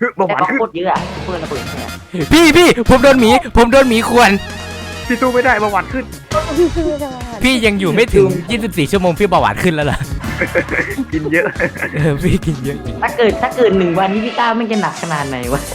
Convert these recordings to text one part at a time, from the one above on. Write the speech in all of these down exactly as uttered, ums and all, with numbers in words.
เบาหแต่วานก็ขึ้นโคตรเยอะอะเพื่อนระเบิดเนี่ยพี่พี่ผมโดนหมีผมโดนหมีข่วนพี่สู้ไม่ได้เบาหวานขึ้นพี่ซื้อได้พี่ยังอยู่ไม่ถึงยี่สิบสี่ชั่วโมงพี่เบาหวานขึ้นแล้วเหรอกินเยอะเออพี่กินเยอะจริงถ้าเกิดถ้าเกิดหนึ่งวันนี้พี่ก้าวไม่จะหนักขนาดไหนวะ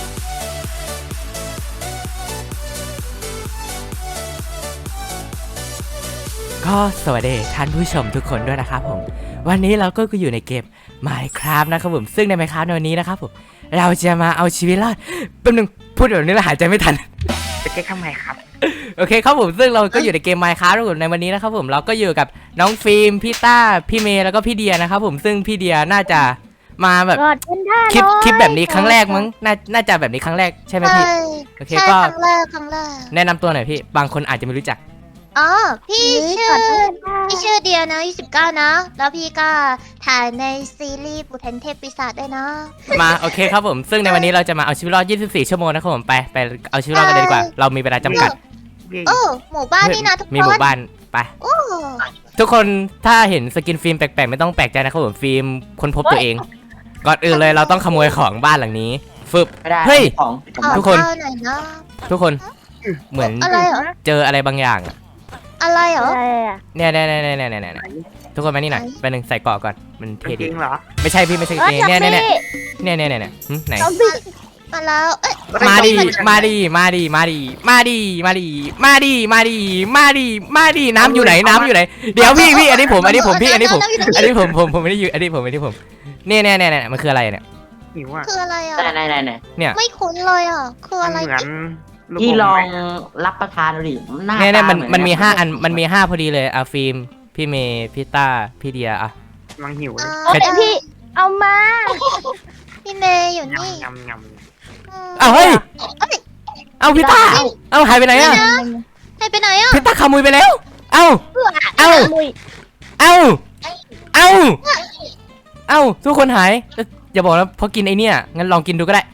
ก็สวัสดีท่านผู้ชมทุกคนด้วยนะครับผมวันนี้เราก็อยู่ในเกม Minecraft นะครับผมซึ่งใน Minecraft ในวันนี้นะครับผมเราจะมาเอาชีวิตรอดแป๊บนึงพูดแบบนี้แล้วหายใจไม่ทันจะแก้ทำไมครับโอเคครับผมซึ่งเราก็อยู่ในเกม Minecraft นะครับผมในวันนี้นะครับผมเราก็อยู่กับน้องฟิล์มพี่ต้าพี่เมย์แล้วก็พี่เดียนะครับผมซึ่งพี่เดียน่าจะมาแบบกอดเป็นท่าคลิปคลิปแบบนี้ครั้งแรกมั้งน่าน่าจะแบบนี้ครั้งแรกใช่ไหมพี่โอเคใช่ก็ครั้งแรกครั้งแรกแนะนำตัวหน่อยพี่บางคนอาจจะไม่รู้จักอ๋อพี่ชื่อพี่ชื่อเดียนะยี่สิบเก้านะ แล้วพี่ก็ถ่ายในซีรีส์ปุถันเทพปีศาจด้วยนะมาโอเคครับผมซึ่งในวันนี้เราจะมาเอาชีวิตรอดยี่สิบสี่ชั่วโมงนะครับผมไปไปเอาชีวิตรอดกันเลยดีกว่าเรามีเวลาจำกัดโอ้หมู่บ้านนี่นะทุกคนมีหมู่บ้านไปโอ้ทุกคนถ้าเห็นสกินฟิล์มแปลกๆไม่ต้องแปลกใจนะครับผมฟิล์มค้นพบตัวเองก่อนอื่นเลยเราต้องขโมยของบ้านหลังนี้ฟึบไม่ได้เฮ้ยของขอทุกคนข้าวหน่อยนะทุกคนเหมือนอะไรเหรอเจออะไรบางอย่างอะอะไรเหรออะไรอ่ะเนี่ยเนี่ยเนี่ยเนี่ยเนี่ยเนี่ยทุกคนมานี่หน่อยไปหนึ่งใส่เกาะก่อนมันเท่จดีริงเหรอไม่ใช่พี่ไม่ใช่เออเนี่ยจับเนี่ยพี่เนี่ยเนี่ยเนี่ยเนี่ยหึไหนซอมบี้มาแล้วเอ้ยมาดิมาดิมาดิมาดิมาดิมาดิมาดิมาดิมาดิมาดิน้ำอยู่ไหนน้ำอยู่ไหนเดี๋ยวพี่พี่อันนี้ผมอันนี้ผมพี่อันนี้ผมอันนี้ผมผมผมไม่ได้อยู่อันนี้ผมอันนี้ผมเนี่ยเนี่ยเนี่ยเนี่ยมันคืออะไรเนี่ยหิวอ่ะคืออะไรอ่ะไหนไหนไหนไหนเนี่ยไม่คุ้นเลยอ่ะ คือมันอะไรเหมือนลูกพี่มลองไหมรับประทานดูดิหน้าเนี่ยเนี่ยมันตาเหมันมีห้าอันะมันมีห้าพอดีเลยอ่ะฟิล์มพี่เมย์พี่ต้าพี่เดียอ่ะกำลังหิวเลยโอ้ยพี่เอามาพี่เมย์อยู่นี่ยำยำยอ้าวเฮ้ยเอาพี่ต้าเอาหายไปไหนอ่ะให้ไปไหนอ่ะพี่ต้าขโมยไปแล้วเอ้าเอ้ามุยเอ้าเอ้าเอ้าทุกคนหายเอ้ยอย่าบอกนะเพราะกินไอเนี่ยงั้นลองกินดูก็ได้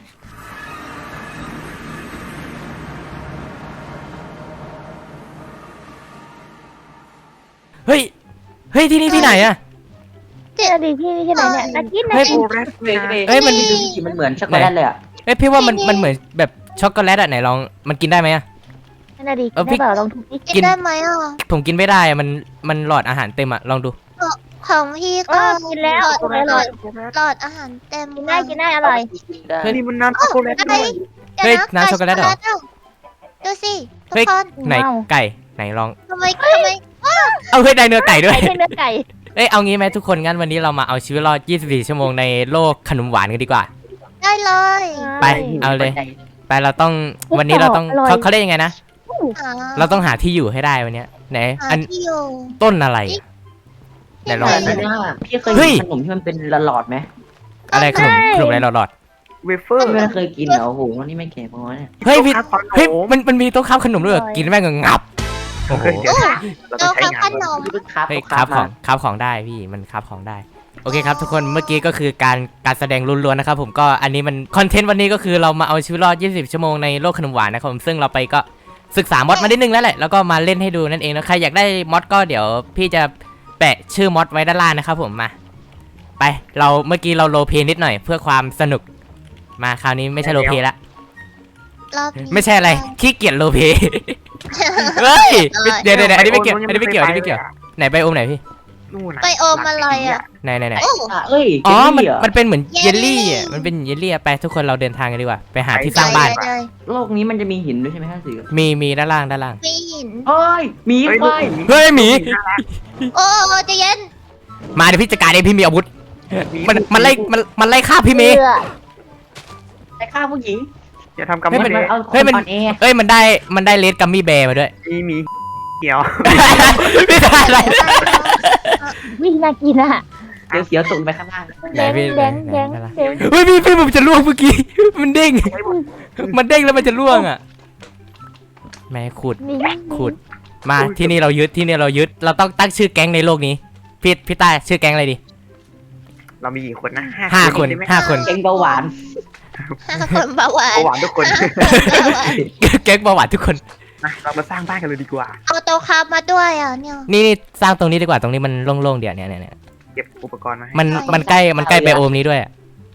เฮ้ยเฮ้ยที่นี่ที่ไหนอะเจอดีพี่ที่ไหนเนี่ยนักกินนะเฮ้ยำโอ้แรดเฮ้ยนะเฮ้ยมันดูสิมันเหมือนช็อกโกแลตเลยอ่ะเอ้ยพี่ว่ามันมันเหมือนแบบช็อกโกแลตอะไหนลองมันกินได้ไหมอะนั่นดีเออพี่ได้เปล่าลองทุบดิกินได้ไหมอ่ะผมกินไม่ได้อะมันมันหลอดอาหารเต็มอะลองดูของพี่เอก็อกินแล้วหลอดอร่อยหลอดอาหารเต็มกินได้กินได้อร่อยเฮ้ยนี่มันน้ำช็อกโกแลตด้วยเฮ้ยน้ำช็อกโกแลตเหรอดูสิทุกเฮ้ยคนไหนไก่ไหนลองทำไมทำไมเอาเฮ้ยได้เนื้อไก่ด้วยไก่เนื้อไก่เอ้ยเอางี้ไหมทุกคนงั้นวันนี้เรามาเอาชีวิตรอดยี่สิบสี่ชั่วโมงในโลกขนมหวานกันดีกว่าได้เลยไป เอาเลย ไปเราต้องวันนี้เราต้องเขาเขาเรียกยังไงนะหาเราต้องหาที่อยู่ให้ได้วันเนี้ยไหนหาอันที่อยู่ต้นอะไรอะ ไหนลองแต่เนี่ยพี่เคยเฮ้ยกินขนมที่มันเป็นหลอดๆไหมอะไรขนมขนมอะไรหลอดเวเฟอร์ไม่เคยกินเหรอโอ้โหวันนี้ไม่แก่พอเนี่ยๆเฮ้ยพี่โต๊ะข้าวขนมเฮ้ยมันมันมีโต๊ะค้าขนมด้วยเหรอกินแม่งก็งับโอ้โหเฮ้ยเดี๋ยวนะเราต้เราองใช้ข้าวงานขนมพี่เพิ่งครับเฮ้ยคครัรับบของครับของได้พี่มันครับของได้โอเคครับทุกคนเมื่อกี้ก็คือการการแสดงล้วนๆนะครับผมก็อันนี้มันคอนเทนต์วันนี้ก็คือเรามาเอาชีวิตรอดยี่สิบชั่วโมงในโลกขนมหวานนะครับผมซึ่งเราไปก็ศึกษามอดมาได้นึงแล้วแหละแล้วก็มาเล่นให้ดูนั่นเองนะใครอยากได้มอดก็เดี๋ยวพี่จะแปะชื่อมอดไว้ด้านล่างนะครับผมมาไปเราเมื่อกี้เราโรลเพลย์นิดหน่อยเพื่อความสนุกมาคราวนี้ไม่ใช่โรลเพลย์ละรอบนี้ไม่ใช่อะไรขี้เกียจโรลเพลย์เฮ้ยเดี๋ยวเดี๋ยวเดี๋ยวอันนี้ไม่เกี่ยวอันนี้ไม่เกี่ยวอันนี้ไม่เกี่ยวไหนไปโอมไหนพี่นู่นน่ะไปโอมอะไรอ่ะไหนไหนไหนโอ้อ่ะเอ้ยอ๋อเจลมันลี่เหรอมันเป็นเหมือนเยเยลลลี่ลี่อ่ะมันเป็นเยลลี่อะไปทุกคนเราเดินทางกันดีกว่าไปหาที่สร้างบ้านเลยโลกนี้มันจะมีหินด้วยใช่ไหมท่านสื่อมีมีด้านล่างด้านล่างมีหินเฮ้ยหมีเฮ้ยคลูกวายหมีเฮ้ยหมีโอ้ใจะเย็นมาเดี๋ยวพี่จัดการเองพี่มีอาวุธหมีมันมันไล่มันมันไล่ฆ่าพี่เมย์เบื่อแต่ฆ่าผู้หญิงอย่าทำกับเฮ้ยมัมันนมันเลยเอาคเฮ้ยนมันอ่อนแอเฮ้ยมันได้มันได้เลดกัมมี่แบร์มาด้วยมีหมีเกี่ยวไม่ได้อะไรวิ่งน่ากินอ่ะเดี๋ยวเสียวตกไปข้างล่างไหนแดงพี่แดงไหนแดงไหนไหนแดงเฮ้ยพี่พี่ผมจะล่วงเมื่อกี้มันเด้งมันเด้งแล้วมันจะล่วงอ่ะแม่ขุดนี่ขุดมาที่นี่เรายึดที่นี่เรายึดเราต้องตั้งชื่อแก๊งในโลกนี้พี่พี่ต้าชื่อแก๊งอะไรดีเรามีกี่คนนะห้าคนได้ไหมห้าคนเก่งเบาหวานคนเบาหวานเบาหวานทุกคนแก๊งเบาหวานทุกคนมาเรามาสร้างบ้านกันเลยดีกว่าเอาโตะคาบมาด้วยอ่ะเนี่ยนี่นี่สร้างตรงนี้ดีกว่าตรงนี้มันโล่งๆเดี๋ยวเนี่ยเนี่ยเนี่ยเก็บอุปกรณ์มาให้มันมันใกล้มันใกล้ไบโอมนี้ด้วยอะไ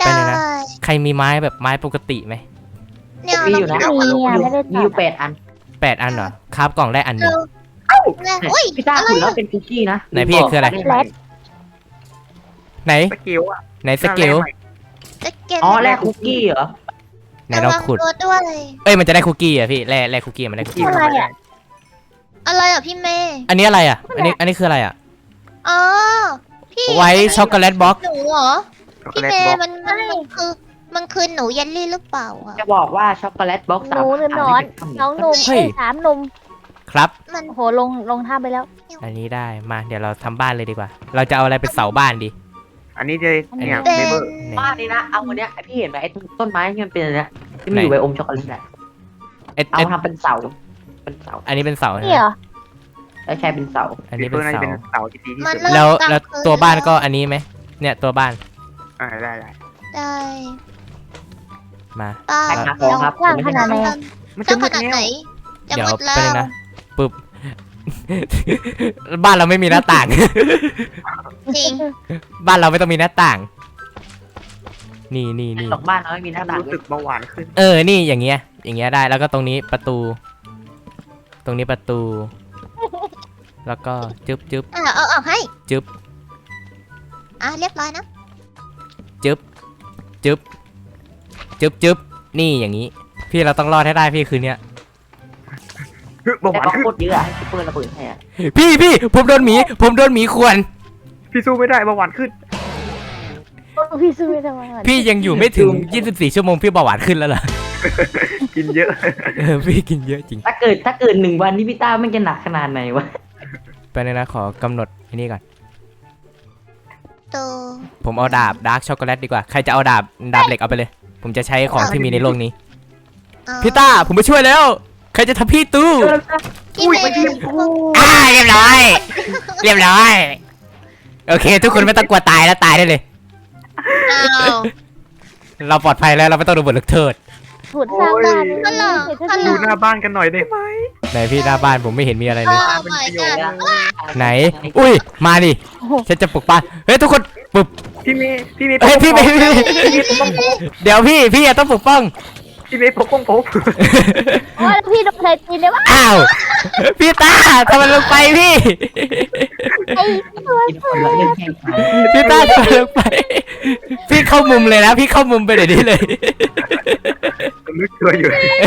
ได้ไปเลยนะ ใครมีไม้แบบไม้ปกติไหมเนี่ยมีเราอยู่นะเอามีอ่ะไม่ได้มีตัอยู่ดแปดอันแปดอันเหรอคราฟกล่องได้อันหนึงเนี่ยอุ้ยพี่ต้าอะไรคุณแล้วอะเป็นคุกกี้นะไหนพี่เอกคืออะไรแรดไหนสกิลอ่ะไหนสเกลจะเก็บอ๋อแรกคุกกี้เหรอไหนเราขุดระวังตัวด้วยเอ้ยมันจะได้คุกกี้อ่ะพี่แร่แร่คุกกี้มันได้คุกกี้อะไรอ่ะอะไรอ่ะพี่เมย์อันนี้อะไรอ่ะอันนี้อันนี้คืออะไรอ่ะอ๋อพี่ไวท์ช็อกโกแลตบ็อกหนูเหรอช็อกโกพี่แลตเมบล็อกย์มันมันมันคือมันคือหนูเยลลี่หรือเปล่าอ่ะจะบอกว่าช็อกโกแลตบ็อกซ์หนูหรือหนอนน้องหนุ่มเอ้ยสามหนุ่มครับมันโอ้โหลงลงท่าไปแล้วอันนี้ได้มาเดี๋ยวเราทำบ้านเลยดีกว่า เราจะเอาอะไรเป็นเสาบ้านดีอันนี้จะเนี่ยเป็นเบเบอร์ไหนบ้านนี้นะเอาวันเนี้ยไอพี่เห็นไหมไอ้ต้นไม้ที่มันเป็นอะไรนะที่มันอยู่ไหนใบอมช็อกโกแลตอะเอ็ดเอาเอ็ดทำเป็นเสาเป็นเสาอันนี้เป็นเสานี่เหรอแล้วใช้เป็นเสาอันเบนี้เบเป็อน ร์น่าจะเสาเป็นเสาที่ดีที่มันสุดเริ่มแล้วกลางแล้วคืนตัวบ้านก็อันนี้ไหมเนี่ยตัวบ้านอ่าได้ได้ได้มาป้าแตกหาของครับกว้างขนาดไหนอะมันเจ้าจะขมืดนาดแล้ไหนวจะเดี๋ยวมืดแล้ไปเลวยนะปึ๊บ บ้านเราไม่มีหน้าต่างจริงบ้านเราไม่ต้องมีหน้าต่าง นี่นี่นี่หลอกบ้านเราไม่มีหน้าต่างรู้สึกเบาหวานขึ้นเออ นี่อย่างเงี้ย อย่างเงี้ยได้ แล้วก็ตรงนี้ประตู ตรงนี้ประตู แล้วก็จึ๊บจึ๊บอ่ะเอาออกให้จึ๊บอ่ะเรียบร้อยนะจึ๊บจึ๊บจึ๊บจึ๊บนี่อย่างนี้ พี่เราต้องรอดให้ได้พี่คืนเนี้ยเฮ้ยเบาหแต่วานก็ขึ้นโคตรเยอะอะให้ซุปเปอร์ระเบิดให้อะพี่พี่ผมโดนหมี ผมโดนหมีข่วนพี่สู้ไม่ได้เบาหวานขึ้นพี่สู้ไม่ได้มาพี่ยังอยู่ไม่ถึง ยี่สิบสี่ ชั่วโมงพี่เบาหวานขึ้นแล้วเหรอกินเยอะเออพี่กินเยอะจริงถ้าเกิดถ้าเกิดหนึ่งวันที่พี่ต้ามันจะหนักขนาดไหนวะไปเลยนะขอกำหนดอันนี้ก่อนตัวผมเอาดาบดาร์กช็อกโกแลตดีกว่า ใครจะเอาดาบดาบเหล็กเอาไปเลย ผมจะใช้ของที่มีในโลกนี้อ๋อพี่ต้าผมไปช่วยแล้ว ใครจะทำพี่ตู้พี่เมย์อ่าเรียบร้อย เรียบร้อย โอเค ทุกคนไม่ต้องกลัวตายแล้วตายได้เลยอ้าวเราปลอดภัยแล้วเราไม่ต้องโดนบทลงโทษผุดสร้างบ้านฮัลโหลฮัลโหลดูหน้าบ้านกันหน่อยได้ไหมไหนพี่หน้าบ้านผมไม่เห็นมีอะไรโอ้เลย my god ไหน อุ้ย มาดิ ฉันจะปลุกบ้าน เฮ้ยทุกคนปลุกพี่เมย์พี่เมย์เฮ้ยพี่ไม่พี่เดี๋ยวพี่พี่อะต้องปกป้องพี่เมย์ปกป้องผมว่าแล้วพี่โดนใครตีเนี่ยวะอ้าว พี่ตาทำมันลงไปพี่ไอ้ตัวกินคนละเรื่องแข่งขันพี่ตาทำมันลงไป พี่เข้ามุมเลยนะ พี่เข้ามุมไปเดี๋ยวนี้เลยนึกตัวอยู่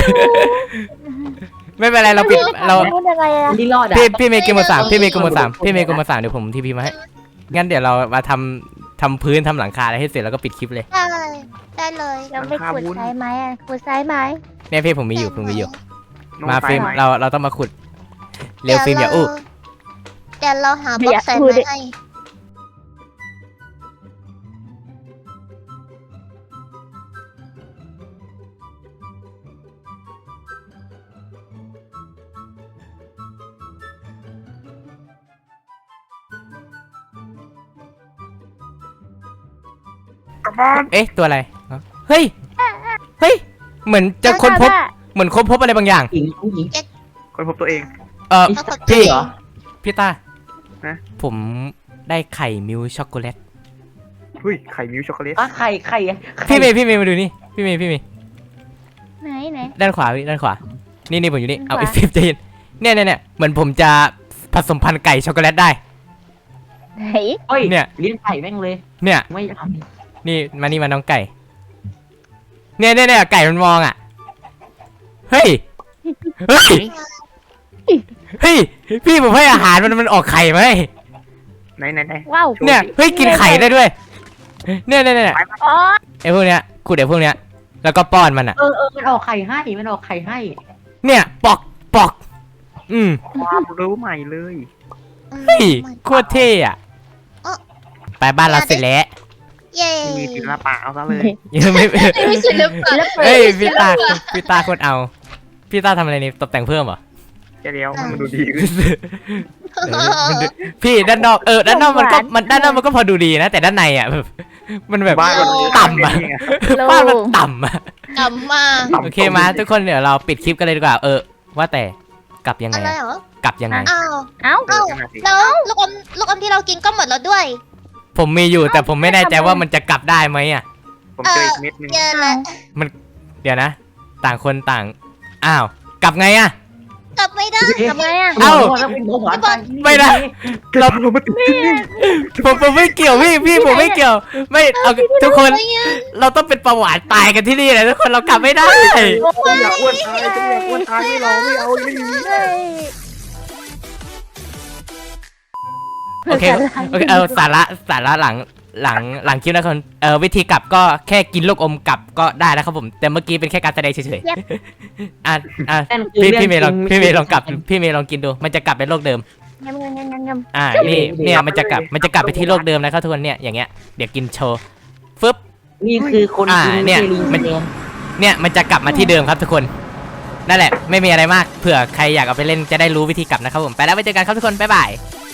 ไม่เป็นไรเราปิดเราพูดยังไงอะที่รอดอะพี่พี่เมย์เกมหมดสามพี่เมย์เกมหมดสามพี่เมย์เกมหมดสามเดี๋ยวผมทีพีมาให้ งั้นเดี๋ยวเรามาทำทำพื้นทำหลังคาอะไรให้เสร็จแล้วก็ปิดคลิปเลยได้ได้เลยยังไม่ขุดซ้ายไม้อะขุดซ้ายไม้เนี่ยพี่ผมมีอยู่ผมมีอยู่น้องมาไฟฟิล์มไหมเราเราต้องมาขุด เร็วฟิล์มอย่าอู้เดี๋ยวเราหาบล็อกใส่ไม้ให้กลับบ้านเอ๊ะตัวอะไรอ๋อเฮ้ย เฮ้ย เหมือนจะค้นพบ เหมือนค้นพบอะไรบางอย่างหญิงผู้หญิงคนพบตัวเองเออปรากฏพี่เหรอพี่ตาฮะผมได้ไข่มิลช็อกโกแลตเฮ้ยไข่มิวช็อกโกแลตอ่ะไข่ไข่อะไข่พี่เมย์พี่เมย์มาดูนี่ พี่เมย์พี่เมย์ไหนไหนด้านขวาพี่ด้านขวา นี่นี่ผมอยู่นี่ เอาด้านขวาอีกฟิล์มใจเย็นเนี่ยเนี่ยเนี่ยเหมือนผมจะผสมพันธุ์ไก่ช็อกโกแลตได้ไหนเฮ้ยเนี่ยเลี้ยงไข่แม่งเลยเนี่ยไม่ทนี่มานี่มาน้องไก่ เนี่ยเนี่ยเนี่ยไก่มันมองอ่ะ เฮ้ย เฮ้ย เฮ้ย พี่ผมให้อาหารมันมันออกไข่ไหมไหนไหนไหนว้าวเนี่ย เฮ้ย กินไข่ได้ด้วย เนี่ยเนี่ยเนี่ยอ๋อไอ้พวกเนี้ยขุดไอ้พวกเนี้ย แล้วก็ป้อนมันอ่ะำเออเออมันออกไข่ให้มันออกไข่ให้เนี่ย ปอกปอก อืมความรู้ใหม่เลยเฮ้ย โคตรเท่อะอ๋อไปบ้านเราเสร็จแล้วเย้ที่มีศิลปะเอาซะเลยยังไม่ไม่ใช่ลึกปะเฮ้ย พี่ตา พี่ตาโคตรเอา พี่ตาทำอะไรนี่ตกแต่งเพิ่มเหรอแค่เดียวให้มันดูดีขึ้นเออมันดูพี่ด้านนอกเออด้านนอกมันก็มันด้านนอกมันก็พอดูดีนะแต่ด้านในอ่ะแบบมันแบบบ้านมันต่ำอะนี่ไงบ้านมันต่ำอ่ะดำมากโอเคมาทุกคนเดี๋ยวเราปิดคลิปกันเลยดีกว่าเออว่าแต่กลับยังไงอะไรอะเหรอกลับยังไงอ้าวเอ้าเออขนาดสิแล้วลูกอมลูกอมที่เรากินก็หมดแล้วด้วยผมมีอยู่แต่ผมไม่แน่ใจว่ามันจะกลับได้ไหมอ่ะผมเจออีกเม็ดหนึงเจอแล้วเดี๋ยวนะ ต่างคนต่างอ้าวกลับไงอะกลับไม่ได้ทำไมอ่ะเอ้าแล้วเป็นเบาหวานตายที่นี่ไม่ได้เรา เรามาติดที่นี่ผมผมไม่เกี่ยวพี่พี่ผมไม่เกี่ยว ไม่เอาทุกคนอะไรอะเราต้องเป็นประวัติตายกันที่นี่เลยทุกคนเรากลับไม่ได้อย่าอ้วนตายจะอย่าอ้วนตายไม่รอไม่เอาไม่มีเฮ้ยโอเคโอเคเออสาระสาระหลังหลังหลังคลิปนะครับเออวิธีกลับก็แค่กินลูกอมกลับก็ได้นะครับผมแต่เมื่อกี้เป็นแค่การแสดงเฉยๆอ่ะอ่ะนั่นคือพี่เรื่พี่เมย์ลองจริพี่เมย์ลองกลับพี่เมย์ลองกินดู มันจะกลับเป็นโลกเดิมยำยำยำยำยำอ่านี่เนี่ยมันจะกลับมันจะกลับไปที่โลกเดิมนะครับทุกคนเนี่ยอย่างเงี้ยเดี๋ยวกินโชว์ฟึบนี่คือคนอ่ากินเนี่ยลิงมันแดงเนี่ยมันจะกลับมาที่เดิมครับทุกคนนั่นแหละไม่มีอะไรมากเผื่อใครอยากเอาไปเล่นจะได้รู้วิธีกลับนะครับผมไปแล้วไปเจอกันครับทุกคนบ๊ายบายบ